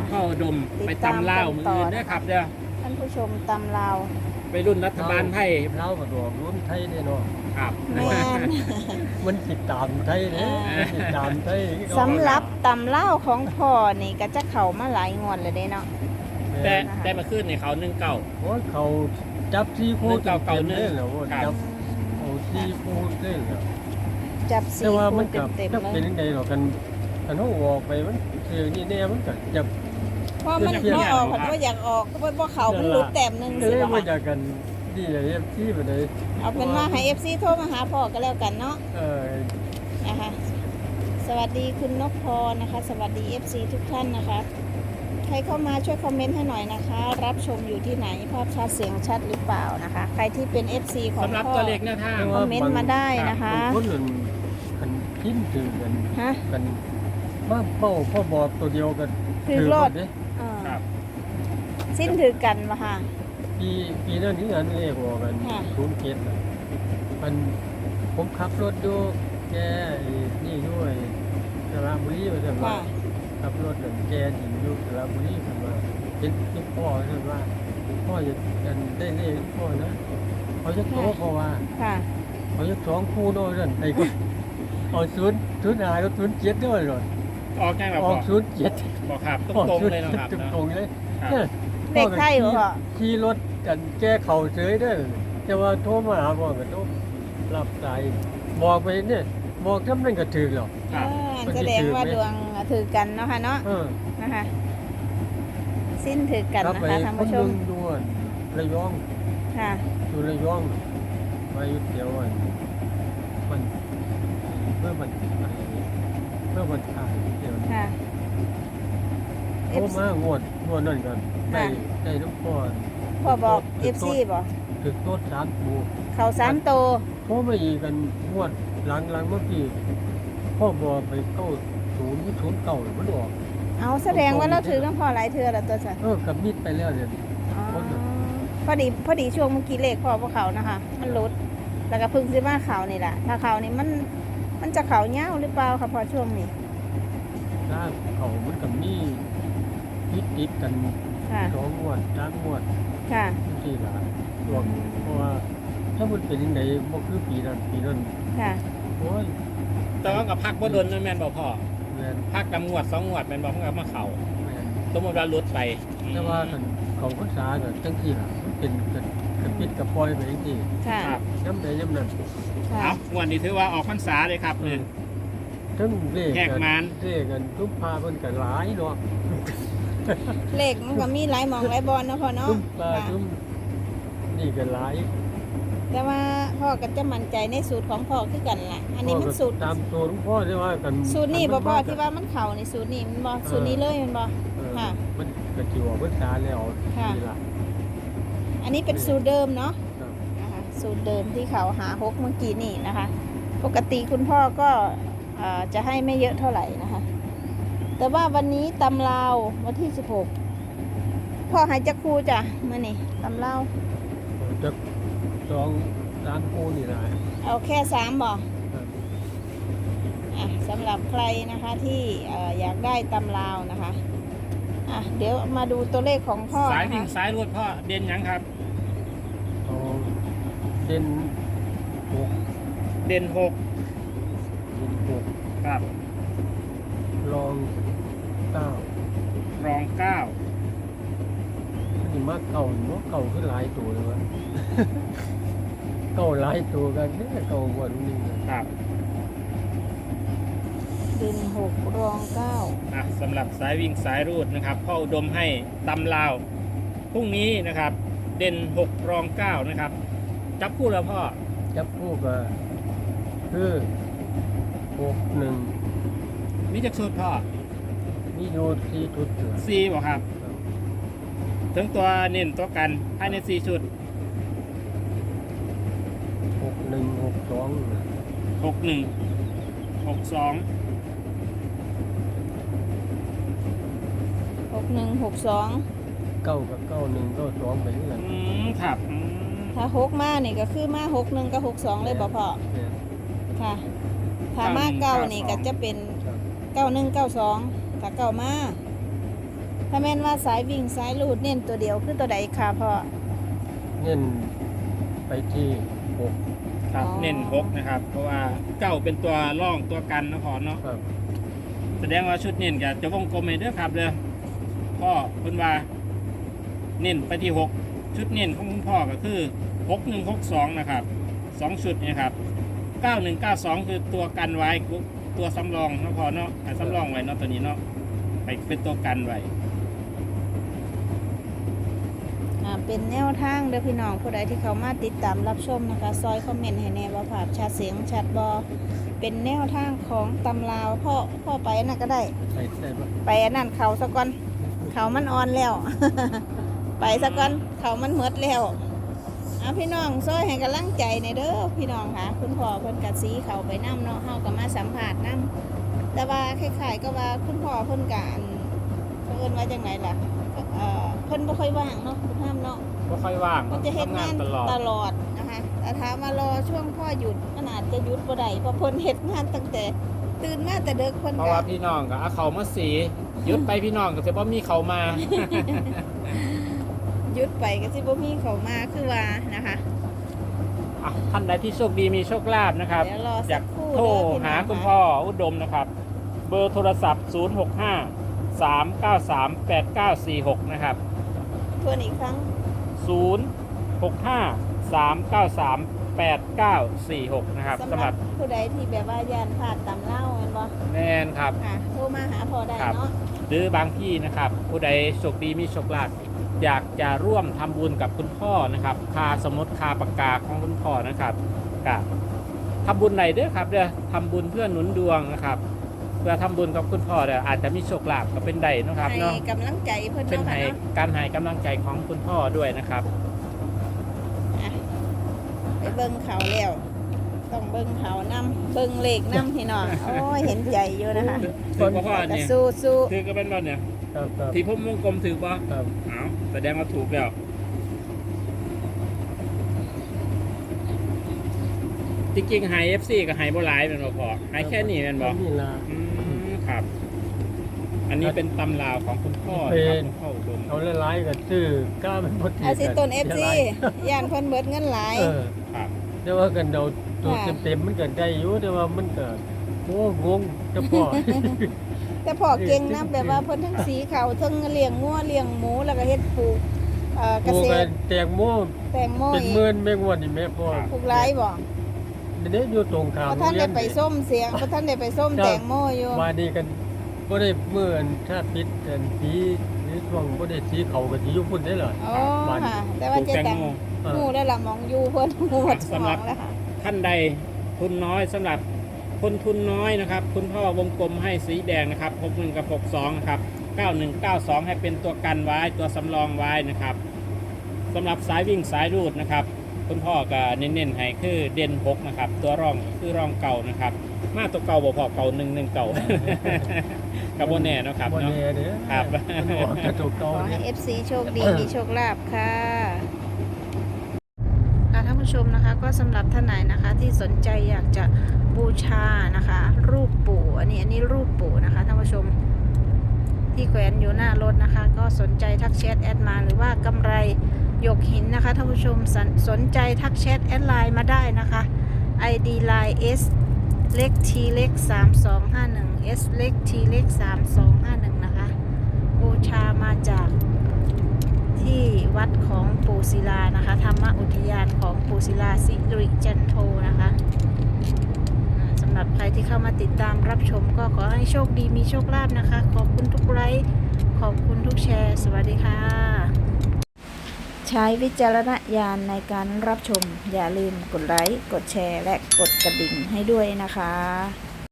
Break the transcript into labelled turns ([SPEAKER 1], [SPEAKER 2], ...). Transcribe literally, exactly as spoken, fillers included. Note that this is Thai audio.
[SPEAKER 1] พ่ออุดมไปตำเล่าวมืออื่นด้วยครับเด้อ
[SPEAKER 2] ท่านผู้ชมตำลาว
[SPEAKER 1] ไปรุ่นรัฐบาลไทย
[SPEAKER 3] เล่ากับดอกรุ่นไทยเนี่ยเนาะ
[SPEAKER 1] ครับ
[SPEAKER 2] แม่น
[SPEAKER 3] มันติดตามไทยเนี่ย
[SPEAKER 2] อ่า
[SPEAKER 3] มันติดตามไทย
[SPEAKER 2] สำหรับตำลาวของพ่อนี่ก็จะเข้ามาหลายงวดเลยเด้เนาะ
[SPEAKER 1] แต่ได้มาขึ้นในเขาหนึ่งเก่า
[SPEAKER 3] โอ้ยเขาจับซีโค
[SPEAKER 1] เก่าเก่า
[SPEAKER 3] ต็ม
[SPEAKER 1] เนื้อ
[SPEAKER 3] เลยเหรอว่า
[SPEAKER 1] ครับ
[SPEAKER 3] จับเอาซีโคเลยเหรอ
[SPEAKER 2] จับสี
[SPEAKER 3] แต่ว่า
[SPEAKER 2] คู
[SPEAKER 3] มัน
[SPEAKER 2] เต็
[SPEAKER 3] กั
[SPEAKER 2] ม
[SPEAKER 3] บ
[SPEAKER 2] เต็ม
[SPEAKER 3] จะ
[SPEAKER 2] เล
[SPEAKER 3] เป็น
[SPEAKER 2] ย
[SPEAKER 3] ยังไงหรอกกันกันเขาออกไปมันเสียนี่แน่มันก็จับ
[SPEAKER 2] เพราะมันพอออกผันว่าอยากออกก็เพราะเขามันหลุดแต้มหนึง
[SPEAKER 3] ก็
[SPEAKER 2] สิ
[SPEAKER 3] เลย
[SPEAKER 2] บ่
[SPEAKER 3] มา
[SPEAKER 2] คะ
[SPEAKER 3] จากกันดีเลยเอฟซีไปเลย
[SPEAKER 2] เอาเป็นว่าให้ เอฟ ซี โทรมาหาพ่อก็แล้วกันเนาะ
[SPEAKER 3] เออ
[SPEAKER 2] นะคะสวัสดีคุณนกพรนะคะ สวัสดี เอฟ ซี ทุกท่านนะคะใครเข้ามาช่วยคอมเมนต์ให้หน่อยนะคะ รับชมอยู่ที่ไหนภาพชัดเสียงชัดหรือเปล่านะคะ ใครที่เป็น เอฟ ซี ของ
[SPEAKER 1] สำหรับ
[SPEAKER 2] พ่อ
[SPEAKER 1] ตัวเลขแนวทาง
[SPEAKER 2] คอมเมนต์มาได้นะคะ
[SPEAKER 3] บางคนนั่นคันพิมพ์ถือกัน
[SPEAKER 2] ฮะ
[SPEAKER 3] กันมาเป้าพ่อบอกตัวเดียวกัน
[SPEAKER 2] ถือรถ
[SPEAKER 3] เด้
[SPEAKER 2] เออ
[SPEAKER 1] ครับ
[SPEAKER 2] สิ้นถือกันมาค่ะ
[SPEAKER 3] ปีปีนั้นนี่อันเลขออกกัน
[SPEAKER 2] ค่ะ
[SPEAKER 3] ศูนย์เจ็ดมันผมขับรถดูแกไอ้นี่ด้วยสระบุรีไปสั่นว่า
[SPEAKER 2] ค่ะ
[SPEAKER 3] ขับรถนั่นแกหญิงอยู่สระบุรีสั่นว่าเป็นที่พ่อสั่นว่าพ่อจะกันได้เลขพ่อนะเขาจะโตเพราะว่า
[SPEAKER 2] ค่ะ
[SPEAKER 3] เขาจะสองคู่ด้วยนั่นไอ้ก็เอาศูนย์ศูนย์หายก็ศูนย์เจ็ดด้วยเลย
[SPEAKER 1] ออกแจ้งแบบ
[SPEAKER 3] อ
[SPEAKER 1] พ่
[SPEAKER 3] อ
[SPEAKER 1] อก
[SPEAKER 3] ศูนย์เจ็ด
[SPEAKER 1] บอกครับต
[SPEAKER 3] ออก
[SPEAKER 1] รง
[SPEAKER 3] ศู
[SPEAKER 1] ๆ
[SPEAKER 3] น
[SPEAKER 1] เลย
[SPEAKER 3] ย์
[SPEAKER 1] นะครับ
[SPEAKER 3] ตรง
[SPEAKER 1] เนาะ
[SPEAKER 3] ตรงๆเลย
[SPEAKER 1] ครับ
[SPEAKER 3] เนี่ย
[SPEAKER 2] เลขไทยเหรอพ่อ
[SPEAKER 3] ขี่รถกันแก้เข่าเฉยเด้อแต่ว่าโทรมาหาบอกกันโทรรับสายบอกไปเนี่ยบอกทำนั่นก็ถือหรอก
[SPEAKER 1] ครับ
[SPEAKER 2] เออแสดงว่าดวงถือกันเนาะค่ะเนาะ
[SPEAKER 3] เออ
[SPEAKER 2] นะคะ สิ้นถือกัน
[SPEAKER 3] ครับ
[SPEAKER 2] นะ
[SPEAKER 3] ไป
[SPEAKER 2] คะท่าน
[SPEAKER 3] คน
[SPEAKER 2] ผู้ช
[SPEAKER 3] หนึ
[SPEAKER 2] ม
[SPEAKER 3] งด้วยระยอง
[SPEAKER 2] ค่ะ
[SPEAKER 3] อยู่ระยองมาอยู่เดียวอันมันเพื่อมันอะไรเพื่อมันขายเดียว
[SPEAKER 2] ค่ะ
[SPEAKER 3] โทรมางวดงวดนั่นกันได้
[SPEAKER 2] ค่ะ
[SPEAKER 3] ได้ทุกคน
[SPEAKER 2] พ่อบอก เอฟ ซี บอก
[SPEAKER 3] ถึงโต๊ะสามปู
[SPEAKER 2] เขาสามโต
[SPEAKER 3] โทรมาอีกกันงวดหลังหลังเมื่อกี้พ่อบอกไปเก้าศูนย์ศูนย์เก้ามันออก
[SPEAKER 2] เอาแสดงว่าเราถือน้ำพ่อหลายเทือแล้วตัวสัน
[SPEAKER 3] เออกับมิดไปแล้วเนี่ย
[SPEAKER 2] อ๋อ
[SPEAKER 3] คนน่ะ
[SPEAKER 2] พอดีพอดีช่วงเมื่อกี้เลขพ่อพวกเขานะคะ มันลดแล้วก็เพึ่งซื้อมาเขานี่แหละถ้าเขานี่มันมันจะเขาเงาหรือเปล่าคะพอช่วงนี้
[SPEAKER 3] ถ้าเขามันกับมีติดติดกัน
[SPEAKER 2] ค่ะ
[SPEAKER 3] สองงวดสามงวด
[SPEAKER 2] ค่ะ
[SPEAKER 3] ที่ละรวมเพราะว่าถ้ามันเป็นยังไงบ่คือปีนั้นปีนั้น
[SPEAKER 2] ค่ะ
[SPEAKER 3] โอ้ย
[SPEAKER 1] แต่ว่ากับพักบ่โดนนั่นแม่นบอกพ่อ
[SPEAKER 3] แม่น
[SPEAKER 1] พักดำงวดสองงวดแม่นบอกเพิ่งเอามาเข่า
[SPEAKER 3] แม่น
[SPEAKER 1] สมมติว่ารุดไป
[SPEAKER 3] แต่ว่าคันของภาษาก็จังซี่ล่ะมันเป็นกันกันปิดกับปล่อยไปจังซี่
[SPEAKER 2] ค่ะ
[SPEAKER 1] ครับ
[SPEAKER 3] ย้ำใดย้ำนั้น
[SPEAKER 2] ค่ะ
[SPEAKER 1] เอางวดนี้ถือว่าออกพรรษาเลยครับเนี่ย
[SPEAKER 3] ทั้งเลข
[SPEAKER 1] แหก
[SPEAKER 3] กัน
[SPEAKER 1] มัน
[SPEAKER 3] เลขกันทุกพาเพิ่นก็หลายเนาะ
[SPEAKER 2] เลขมันก็มีหลายหมองหลายบอลเนาะพ่อเนาะ
[SPEAKER 3] ทุกปลา
[SPEAKER 2] ค่ะ
[SPEAKER 3] ทุกนี่ก็หลาย
[SPEAKER 2] แต่ว่าพ่อก็จะมั่นใจในสูตรของพ่อคือกันแหละอันนี้มันสูตร
[SPEAKER 3] ตามตัวหลวงพ่อที่ว่ากัน
[SPEAKER 2] สูตรนี่บ่พ่อที่ว่ามันเข่าในสูตรนี่มันบ่สูตรนี้เลยมันบ่
[SPEAKER 3] เออ
[SPEAKER 2] ค่ะ
[SPEAKER 3] มันก็สิว่าภาษาแล้ว
[SPEAKER 2] ค่ะ
[SPEAKER 3] นี่ล่ะ
[SPEAKER 2] อันนี้เป็นสูตรเดิมเนาะ
[SPEAKER 3] ครับ
[SPEAKER 2] นะคะสูตรเดิมที่เขาหาฮกเมื่อกี้นี่นะคะ ปกติคุณพ่อก็เอ่อจะให้ไม่เยอะเท่าไหร่นะคะ แต่ว่าวันนี้ตำลาววันที่สิบหกพ่อหายจักครูจ้ะมื่อนี่ตำลาว
[SPEAKER 3] จะสองสามคู่นี่ล่ะ
[SPEAKER 2] เอาแค่สามบ่
[SPEAKER 3] ครับ
[SPEAKER 2] อ่ะสำหรับใครนะคะที่เอ่ออยากได้ตำลาวนะคะอ่ะเดี๋ยวมาดูตัวเลขของพ่อ
[SPEAKER 1] สาย
[SPEAKER 2] นะ
[SPEAKER 1] วิ่ง
[SPEAKER 2] คะ
[SPEAKER 1] สายรวดพ่อเด่นหยังครับ
[SPEAKER 3] เอาเด่นหก
[SPEAKER 1] เด่นหก
[SPEAKER 3] เด่นหก
[SPEAKER 1] ครับ
[SPEAKER 3] รองเก้าร
[SPEAKER 1] องเก้า
[SPEAKER 3] นี่มาเก่าเนาะเก่าขึ้นหลายตัวเลยวะ เก่าหลายตัวกันเนี่ยเก่ากว่านี้เลย
[SPEAKER 1] ครับ
[SPEAKER 2] เด่นหกรองเก้า
[SPEAKER 1] อ่ะสำหรับสายวิ่งสายรูดนะครับพ่ออุดมให้ตำลาวพรุ่งนี้นะครับ เด่นหกรองเก้านะครับ จับคู่แล้วพ่อ
[SPEAKER 3] จับคู่ก็คือหกหนึ่ง
[SPEAKER 1] มีจักชุดพ่อ
[SPEAKER 3] มีโยที่ทุดเถื่อน
[SPEAKER 1] สี่บอกครับ ถึงตัวเน้นตัวกันภายในสี่ชุด
[SPEAKER 3] หกหนึ่งหกสอง
[SPEAKER 1] หกหนึ่งหกสอง
[SPEAKER 2] หกหนึ่งหกสอง
[SPEAKER 3] เก้ากับเก้าหนึ่งเก้าสองไปเรื่อย
[SPEAKER 1] อืมครับอืม
[SPEAKER 2] ถ้าหกมานี่ก็คือมาหกหนึ่งกับหกสองเลยบ่พ่อ
[SPEAKER 3] เนี่ย
[SPEAKER 2] ค่ะ ถ้ามาเก้านี่ก็จะเป็นเก้าหนึ่งเก้าสองถ้าเก้ามาถ้าแม่นว่าสายวิ่งสายรูดเน้นตัวเดียวคือตัวใดค่ะพ่อ
[SPEAKER 3] เน้นไปที่หก
[SPEAKER 1] ครับ
[SPEAKER 2] อ๋อ
[SPEAKER 1] เน้นหกนะครับ เพราะว่าเก้าเป็นตัวร่องตัวกันนะพอเนาะ
[SPEAKER 3] ครับ
[SPEAKER 1] แสดงว่าชุดเน้นกับจะวงกลมให้เด้อครับเด้อพ่อคุณว่าเน้นไปที่หกชุดเน้นของคุณพ่อก็คือหกหนึ่งหกสองนะครับสองชุดเนะครับเก้าหนึ่งเก้าสองคือตัวกันไว้ตัวสำรองนะพอเนาะอ่ะสำรองไว้เนาะตัวนี้เนาะไปเป็นตัวกันไว้
[SPEAKER 2] อ่าเป็นแนวทางเด้อพี่น้องผู้ใดที่เขามาติดตามรับชมนะคะซอยคอมเมนต์ให้แน่ว่าภาพชัดเสียงชัดบอเป็นแนวทางของตำราวพ่อพ่อไปอันนั่นก็ได้
[SPEAKER 3] ใส่ใส่ปะ
[SPEAKER 2] ไปอันนั้นเขาสะก่อนเขามันอ่อนแล้ว ไปสะก่อนเขามันหมดแล้วเอาพี่น้องซอยให้กำลังใจในอยเด้อพี่น้องค่ะคุณพ่อเพิ่นกัดสีเขาไปน้ำเนาะเฮาก็มาสัมผัสน้ำแต่ว่าคล้ายๆก็ว่าคุณพ่อเพิ่นกอันเพิ่นว่าจังไงล่ะเอ่อเพิ่นบ่ค่อยว่างเนาะคุณห้ามเนาะ
[SPEAKER 1] ก็ค่อยว่าง
[SPEAKER 2] เพิ่นจะเฮ็ดงาน
[SPEAKER 1] ทำตลอด
[SPEAKER 2] ตลอดนะคะแต่ถามมารอช่วงพ่อหยุดมันอาจจะหยุดบ่ได้เพราะเพิ่นเฮ็ดงานตั้งแต่ตื่นมาแต่เด็กเพิ่น
[SPEAKER 1] เพราะ
[SPEAKER 2] ก็
[SPEAKER 1] ว่าพี่น้องก็เอาเขามาสีหยุดไปพี่น้องก็จะบ่มีเขามา
[SPEAKER 2] หยุดไปก็สิบ่มีเขามาคือว่านะคะ
[SPEAKER 1] อ่ะท่านใดที่โชคดีมีโชคลาภนะครับ
[SPEAKER 2] เดี๋ยวรอ
[SPEAKER 1] อ
[SPEAKER 2] สั
[SPEAKER 1] ยาก
[SPEAKER 2] กครู่
[SPEAKER 1] โทร
[SPEAKER 2] เด้อพี่น้อง
[SPEAKER 1] หาคุณ
[SPEAKER 2] ค่ะ
[SPEAKER 1] พ่ออุดมนะครับ เบอร์โทรศัพท์ ศูนย์ หก ห้า สาม เก้า สาม แปด เก้า สี่ หก นะครับ
[SPEAKER 2] ทวนอีกครั้ง
[SPEAKER 1] ศูนย์ หก ห้า สาม เก้า สาม แปด เก้า สี่ หก นะครับ
[SPEAKER 2] สำ
[SPEAKER 1] สำ
[SPEAKER 2] ห
[SPEAKER 1] ห
[SPEAKER 2] รั
[SPEAKER 1] รั
[SPEAKER 2] บบ ผู้ใดที่แบบว่าย่านพลาดตำเล่าแม่นบ่
[SPEAKER 1] แมนครับ
[SPEAKER 2] ค่ะโทรมาหาพ่อได้
[SPEAKER 1] ครับ
[SPEAKER 2] เนาะ
[SPEAKER 1] หรือบางที่นะครับ ผู้ใดโชคดีมีโชคลาภอยากจะร่วมทำบุญกับคุณพ่อนะครับคาสมุดคาปากกาของคุณพ่อนะครับกับทำบุญไหนเด้อครับเด้อทำบุญเพื่อหนุนดวงนะครับ เพื่อทำบุญกับคุณพ่อเด้ออาจจะมีโชคลาภก็เป็นได้นะครับ
[SPEAKER 2] ให้
[SPEAKER 1] เนาะ
[SPEAKER 2] กำลังใจเพิ่น
[SPEAKER 1] เป็น
[SPEAKER 2] เนาะ
[SPEAKER 1] ให้
[SPEAKER 2] ค่ะเนาะ
[SPEAKER 1] การให้กำลังใจของคุณพ่อด้วยนะครับ
[SPEAKER 2] อ่ะไปเบิ่งเขาแล้วต้องเบิ่งเขานํเบิ่งเลขนํพี่น้องโอ้ยเห็นใจอยู่นะคะ
[SPEAKER 1] ถือพ่อ
[SPEAKER 2] แต่
[SPEAKER 1] เนี่ย
[SPEAKER 2] สู้สู้
[SPEAKER 1] ถือก็เป็นบ่เนี่ย
[SPEAKER 3] ครับครับ
[SPEAKER 1] ที่ผมวงกลมถือป่ะ
[SPEAKER 3] ครับ
[SPEAKER 1] เอาแสดงว่าถูกแล้วจริงๆไฮเอฟซีกับไฮโบไลท์เป็นบ่พอไฮแค่นี้เป็นบ่
[SPEAKER 3] นี่ละ
[SPEAKER 1] อืมครับ อันนี้เป็นตำราวของคุณพ่อนะครับคุณพ่ออุดม
[SPEAKER 3] เอาหลายๆก็ซื้อกล้าเป็นพอดี
[SPEAKER 2] เอาสิต้น เอฟ ซี
[SPEAKER 3] สียหลาย
[SPEAKER 2] ย่านเพิ่นเบิดเงินหลาย
[SPEAKER 3] เออ
[SPEAKER 1] ครับ
[SPEAKER 3] แต่ว่ากันเดาตัว
[SPEAKER 2] ค่ะ
[SPEAKER 3] เต็มๆมันเกิดได้อยู่แต่ว่ามันเกิดโอ้งงจะพอ
[SPEAKER 2] แต่พอเก่งนะแบบว่าเพิ่นทั้งสีเขาทั้งเลี้ยงงัวเลี้ยงหมูแล้วก็เฮ็ดปลูกเอ่อเก
[SPEAKER 3] ปลูก
[SPEAKER 2] ษ
[SPEAKER 3] กั
[SPEAKER 2] ต
[SPEAKER 3] น
[SPEAKER 2] ร
[SPEAKER 3] แตงโม
[SPEAKER 2] แตงโม
[SPEAKER 3] เป็น
[SPEAKER 2] อี
[SPEAKER 3] หมื่
[SPEAKER 2] ก
[SPEAKER 3] นแมงวันนี่แม่พ่อ
[SPEAKER 2] ปลูกหลายบ่
[SPEAKER 3] เดี๋ยวนี้อยู่ตรงข้าม
[SPEAKER 2] บ่ท่านได้ไปส้มเสียงบ่ท่านได้ไปส้มแตงโมอยู่
[SPEAKER 3] มาดีกันบ่ได้เมื่อนถ้าปิดกันสีหรือช่วงบ่ได้สีเขาก็สิอยู่พุ่นได้เหรอ
[SPEAKER 2] อ๋อ
[SPEAKER 3] บ้าน
[SPEAKER 2] ค่ะ แต่
[SPEAKER 1] ป
[SPEAKER 2] ว่า
[SPEAKER 1] ลูก
[SPEAKER 2] เจ๊
[SPEAKER 1] แตง
[SPEAKER 2] ตัง
[SPEAKER 1] โม
[SPEAKER 3] เออ
[SPEAKER 2] หมู่ได้ละหมองอยู่เพิ่นหมู่หมดส
[SPEAKER 1] สำ
[SPEAKER 2] ม
[SPEAKER 1] หรั
[SPEAKER 2] อบ งแล้วค่ะ
[SPEAKER 1] ท่านใดทุนน้อยสำหรับคนทุนน้อยนะครับ คุณพ่อวงกลมให้สีแดงนะครับหกหนึ่งกับหกสองนะครับเก้าหนึ่งเก้าสองให้เป็นตัวกันไว้ตัวสำรองไว้นะครับสำหรับสายวิ่งสายรูดนะครับ คุณพ่อก็เน้นๆให้คือเด่นหกนะครับตัวร่องคือร่องเก่านะครับ มาตัวเก่าบ่พอเก่าหนึ่งหนึ่งเก่า กับโบแน่เนาะครับ
[SPEAKER 3] บ่
[SPEAKER 1] เนาะ
[SPEAKER 3] แน่เด้อ
[SPEAKER 1] ครับ
[SPEAKER 3] มันออกกระจก
[SPEAKER 2] ข
[SPEAKER 3] เก่า
[SPEAKER 2] อให้
[SPEAKER 3] เนี่ย
[SPEAKER 2] เอฟ ซี โชคดี มีโชคลาภค่ะค่ะท่านผู้ชมนะคะก็สำหรับท่านไหนนะคะที่สนใจอยากจะบูชานะคะ รูปปู่อันนี้อันนี้รูปปู่นะคะท่านผู้ชมที่แขวนอยู่หน้ารถนะคะ ก็สนใจทักแชทแอดมาหรือว่ากำไรหยกหินนะคะท่านผู้ชมสนสนใจทักแชทแอดไลน์มาได้นะคะ ไอ ดี ไลน์ S เล็ก T เล็กสามสองห้าหนึ่ง S เล็ก T เล็กสามสองห้าหนึ่งนะคะบูชามาจากที่วัดของปู่ศิลานะคะธรรมอุทยานของปู่ศิลาสิริจันโทนะคะอ่าสำหรับใครที่เข้ามาติดตามรับชมก็ขอให้โชคดีมีโชคลาภนะคะ ขอบคุณทุกไลค์ขอบคุณทุกแชร์ สวัสดีค่ะ ใช้วิจารณญาณในการรับชม อย่าลืมกดไลค์ กดแชร์ และกดกระดิ่งให้ด้วยนะคะ